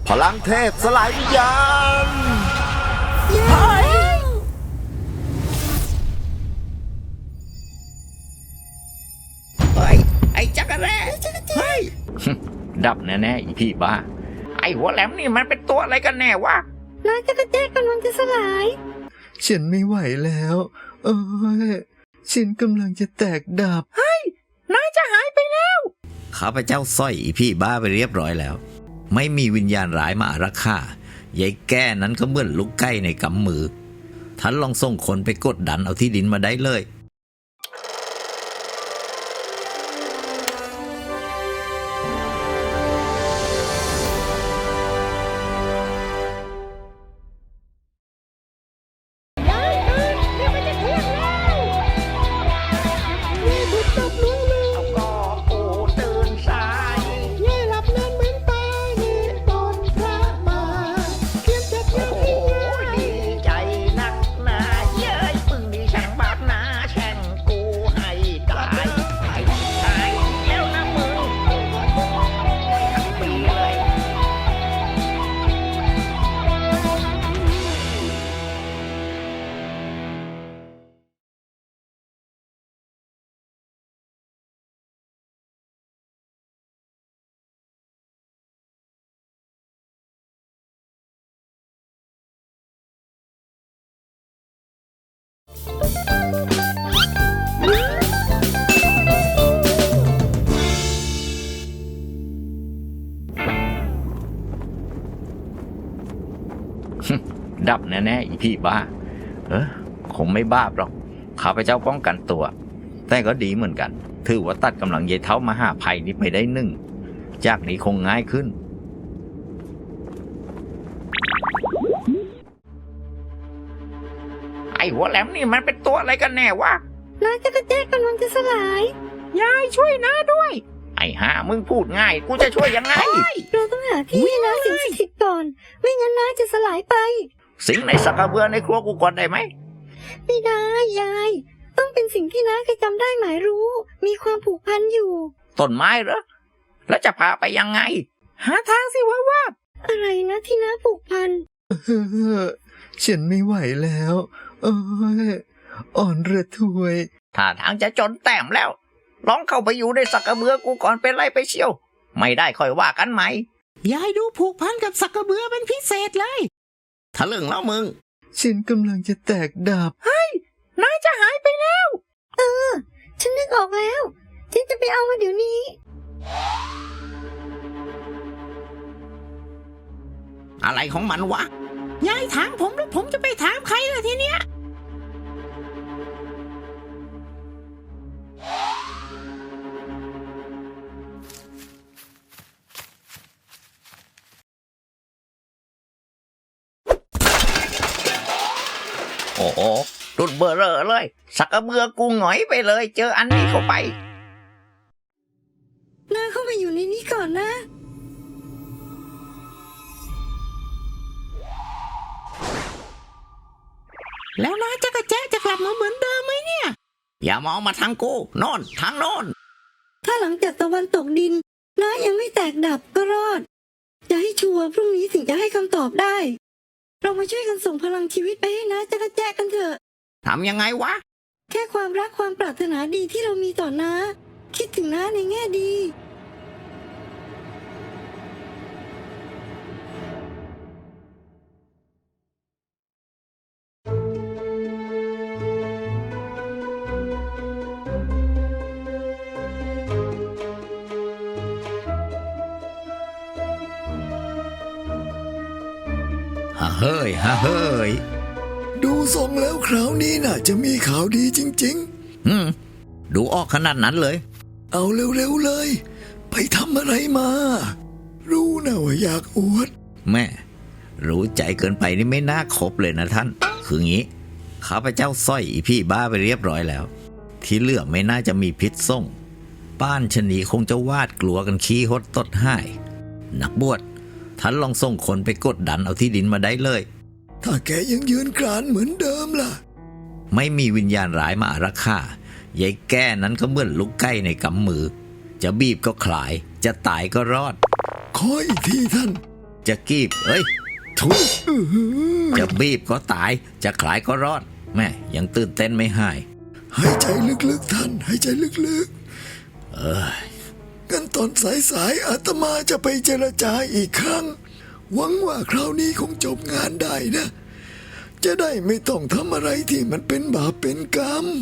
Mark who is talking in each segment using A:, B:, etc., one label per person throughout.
A: พลังเทพสลายวิญญาณ
B: เฮ้ยไอ้จักรแร่เฮ้ยดับแน่ๆอีพี่บ้าไอ้หัวแหลมนี่มันเป็นตัวอะไรกันแน่วะ
C: นายจักรแจ้กำลังจะสลาย
D: ฉันไม่ไหวแล้วโอ้ยฉันกำลังจะแตกดับ
B: นายจะหายไปแล้ว
A: ข้าพเจ้าสร้อยอีพี่บ้าไปเรียบร้อยแล้ว ไม่มีวิญญาณร้ายมาอารักขายายแก้นั้นก็เหมือนลูกไก่ในกำมือท่านลองส่งคนไปกดดันเอาที่ดินมาได้เลย
B: เอาก็ปูตื่นสายโอ้โหดีใจนักหนาเย้ยปึ่งดีช่างบาปหนาแช่งกูให้ตายตายแล้วนะมึงทั้งปีเลย ดับแน่ๆอีพี่บ้าคงไม่บ้าหรอกข้าพเจ้าป้องกันตัว แต่ก็ดีเหมือนกันถือว่าตัดกำลังเยเท้ามหาภัยนี้ไปได้หนึ่งจากนี้คงง่ายขึ้นไอ้หัวแหลมนี่มันเป็นตัวอะไรกันแน่วะ
C: นายจักรแจ้กำลังจะสลาย
B: ยายช่วยน้าด้วยไอ้ห่ามึงพูดง่ายกูจะช่วยยังไง
C: เราต้องหาที่ให้น้าสิ่งศักดิ์สิทธิ์ก่อน ไม่งั้นน้าจะสลายไป
B: สิงในสักกระเบือในครัวกูก่อนได้ไหม
C: ไม่ได้ยาย ต้องเป็นสิ่งที่น้าเคยจำได้หมายรู้ มีความผูกพันอยู่
B: ต้นไม้เหรอแล้วจะพาไปยังไง หาทางสิว่า
C: อะไรนะที่น้าผูกพัน
D: ฉันไม่ไหวแล้วโอ้ยอ่อนระทวย
B: ถ้าทางจะจนแต้มแล้วลองเข้าไปอยู่ในสักกระเบือกูก่อนเป็นไรไปเชียว ไม่ได้ค่อยว่ากันไหม
E: ยายดูผูกพันกับสักกระเบือเป็นพิเศษเลย
B: ทะลึ่งแล้วมึง
D: ฉันกำลังจะแตกดับ
B: นายจะหายไปแล้ว
C: ฉันนึกออกแล้ว ฉันจะไปเอามาเดี๋ยวนี้
B: อะไรของมันวะ
E: ยายถามผมแล้วผมจะไปถามใครล่ะทีเนี้ย
B: โอ้โหรุดเบอร์เรอเลย สักกระเบือกูหงอยไปเลย เจออันนี้เข้าไป
C: น้าเข้าไปอยู่ในนี้ก่อนนะ
E: แล้วน้าจักรแจ๊จะกลับมาเหมือนเดิมไหมเนี่ย
B: อย่ามองมาทางกูโน่นทางโน่น
C: ถ้าหลังจากตะวันตกดินน้ายังไม่แตกดับก็รอด จะให้ชัวร์พรุ่งนี้ถึงจะให้คำตอบได้ เรามาช่วยกันส่งพลังชีวิตไปให้น้าจักรแจ้กันเถอะ
B: ทำยังไงวะ
C: แค่ความรักความปรารถนาดีที่เรามีต่อน้า คิดถึงน้าในแง่ดี
A: ฮ่าเฮ้ยฮ่าเฮ้ย
D: ดูทรงแล้วคราวนี้น่ะจะมีข่าวดีจริง
A: ดูออกขนาดนั้นเลย
D: ๆ เอาเร็วๆเลย ไปทำอะไรมา รู้นะว่าอยากอวด
A: แม่ รู้ใจเกินไปนี่ไม่น่าคบเลยนะท่าน คืองี้ข้าพเจ้าสร้อยอีพี่บ้าไปเรียบร้อยแล้ว ที่เหลือไม่น่าจะมีพิษส่งป้านชะนีคงจะวาดกลัวกันขี้หดตดหายนักบวชท่านลองส่งคนไปกดดันเอาที่ดินมาได้เลย
D: ถ้าแกยังยืนกรานเหมือนเดิมล่ะ
A: ไม่มีวิญญาณร้ายมาอารักขายายแก้นั้นก็เหมือนลูกไก่ในกำมือ จะบีบก็คลาย จะตายก็รอด
D: ขออีกทีท่าน
A: จะกีบทุยจะบีบก็ตาย จะขลายก็รอด แม่ยังตื่นเต้นไม่หาย
D: หายใจลึกๆท่านหายใจลึกๆกันตอนสายๆอาตมาจะไปเจรจาอีกครั้ง หวังว่าคราวนี้คงจบงานได้นะ จะได้ไม่ต้องทำอะไรที่มันเป็นบาปเป็นกรรม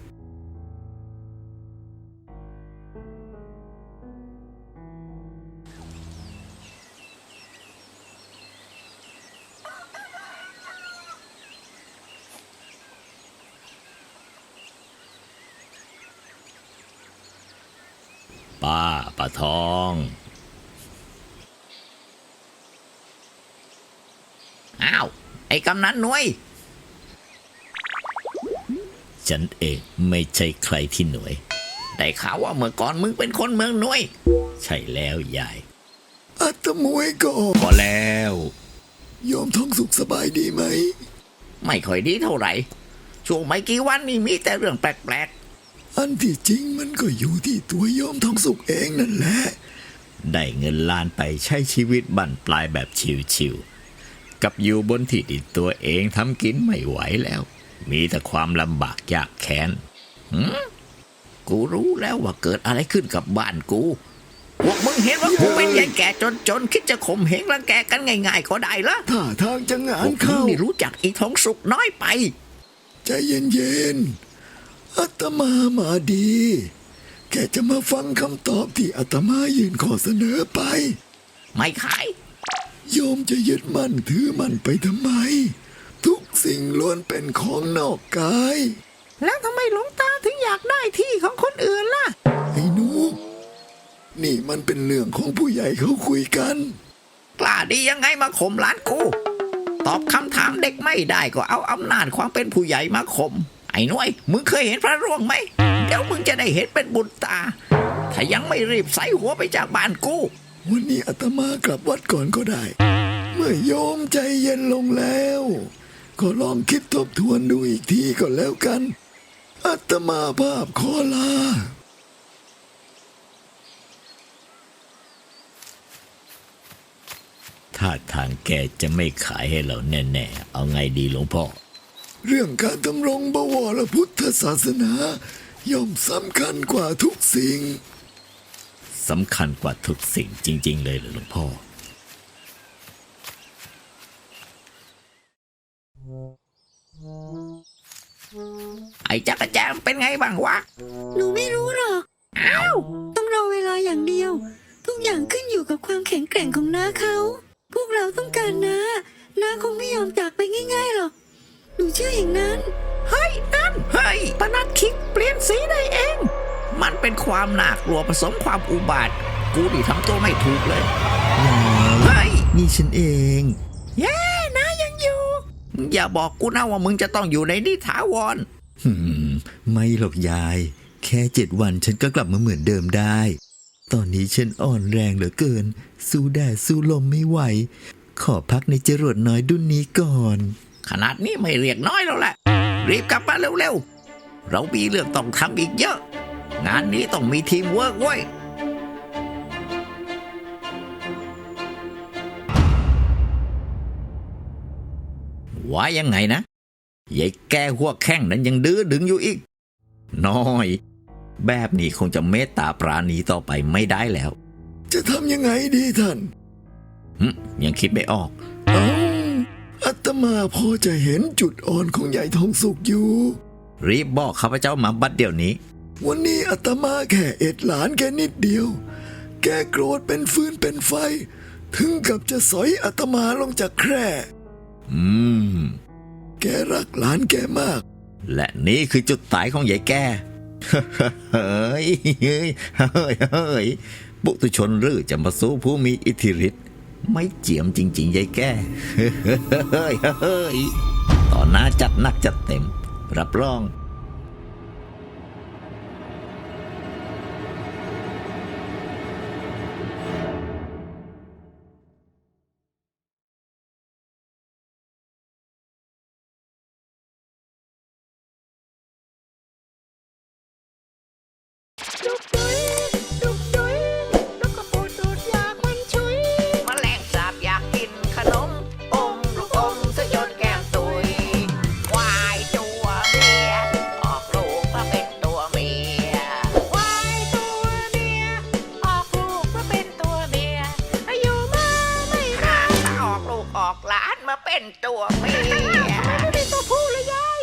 A: ป้าทอง
B: อ้าว ไอ้กำนันหน่วย
A: ฉันเองไม่ใช่ใครที่หน่วย
B: ได้ข่าวว่าเมื่อก่อนมึงเป็นคนเมืองหน่วย
A: ใช่แล้วยาย
D: อาตมวยก็
A: พอแล้ว
D: โยมท้องสุขสบายดีไหม
B: ไม่ค่อยดีเท่าไหร่ ช่วงไม่กี่วันนี่มีแต่เรื่องแปลก
D: อันที่จริงมันก็อยู่ที่ตัวโยมท้องสุขเองนั่นแหละ
A: ได้เงินล้านไปใช้ชีวิตบั่นปลายแบบชิวๆกับอยู่บนที่ดินตัวเองทำกินไม่ไหวแล้ว มีแต่ความลำบากยากแค้น
B: ๆ กูรู้แล้วว่าเกิดอะไรขึ้นกับบ้านกู พวกมึงเห็นว่ากูเป็นยายแก่จนคิดจะข่มเหงรังแกกันง่ายๆก็ได้ละ
D: ถ้าทางจะงา
B: พ
D: น
B: วกมึง
D: เข้า
B: นี่รู้จักอีทองสุกน้อยไป
D: ใจเย็นๆอาตมามาดี แค่จะมาฟังคำตอบที่อาตมายื่นข้อเสนอไป
B: ไม่ขาย
D: โยมจะยึดมั่นถือมั่นไปทำไม ทุกสิ่งล้วนเป็นของนอกกาย
E: แล้วทำไมหลวงตาถึงอยากได้ที่ของคนอื่นล่ะ
D: ไอ้หนูนี่มันเป็นเรื่องของผู้ใหญ่เขาคุยกัน
B: กล้าดียังไงมาข่มหลานกู ตอบคำถามเด็กไม่ได้ก็เอาอำนาจความเป็นผู้ใหญ่มาข่ม ไอ้หน่วย มึงเคยเห็นพระร่วงไหม เดี๋ยวมึงจะได้เห็นเป็นบุญตา ถ้ายังไม่รีบใส่หัวไปจากบ้านกู
D: วันนี้อาตมากลับวัดก่อนก็ได้ เมื่อโยมใจเย็นลงแล้ว ก็ลองคิดทบทวนดูอีกทีก็แล้วกันอาตมาภาพขอลา
A: ถ้าทางแกจะไม่ขายให้เราแน่ๆ เอาไงดีหลวงพ่อ
D: เรื่องการดำรงบวรพุทธศาสนาย่อมสำคัญกว่าทุกสิ่ง
A: สำคัญกว่าทุกสิ่งจริงๆเลยเหรอหลวงพ่อ
B: ไอ้จักรแจมเป็นไงบ้างวะ
C: หนูไม่รู้หรอก
B: อ้าว
C: ต้องรอเวลาอย่างเดียว ทุกอย่างขึ้นอยู่กับความแข็งแกร่งของน้าเขา พวกเราต้องการน้าคงไม่ยอมจากไปง่ายๆหรอก หนูเชื่ออย่างนั้น
E: เฮ้ย นั่น
B: เฮ้ย
E: ปนัดคิกเปลี่ยนสีได้เอง
B: มันเป็นความน่ากลัวผสมความอุบาท กูนี่ทำตัวไม่ถูกเลย เฮ้ย
A: นี่ฉันเอง
E: เย้นะยังอยู่
B: อย่าบอกกูนะว่ามึงจะต้องอยู่ในนิถาวร
A: ไม่หรอกยาย แค่7 วันฉันก็กลับมาเหมือนเดิมได้ ตอนนี้ฉันอ่อนแรงเหลือเกิน สู้แดดสู้ลมไม่ไหว ขอพักในจรวดน้อยดุนนี้ก่อน
B: ขนาดนี้ไม่เรียกน้อยแล้วแหละ รีบกลับมาเร็วๆ เรามีเรื่องต้องทำอีกเยอะ งานนี้ต้องมีทีมเวิร์กเว้ย ว่ายังไงนะยายแกหัวแข้งนั้นยังดื้อดึงอยู่อีก น้อย แบบนี้คงจะเมตตาปราณีต่อไปไม่ได้แล้ว
D: จะทำยังไงดีท่าน
B: ยังคิดไม่ออก
D: เอ้าอาตมาพอจะเห็นจุดอ่อนของใหญ่ทองสุกอยู่
B: รีบบอกข้าพเจ้ามาบัดเดี๋ยวนี้
D: วันนี้อาตมาแค่เอ็ดหลานแค่นิดเดียว แกโกรธเป็นฟืนเป็นไฟ ถึงกับจะสอยอาตมาลงจากแคร่ แกรักหลานแกมาก
A: และนี่คือจุดตายของยายแก่ เฮ้ยเฮ้ยเฮ้ยปุถุชนหรือจะมาสู้ผู้มีอิทธิฤทธิ์ไม่เจียมจริงๆยายแก่ เฮ้ยเฮ้ยต่อหน้าจัดหนักจัดเต็ม รับรอง
F: ออกหลานมาเป็นตัวเมีย
E: ไม่ได้ตัวผู้เลยยาย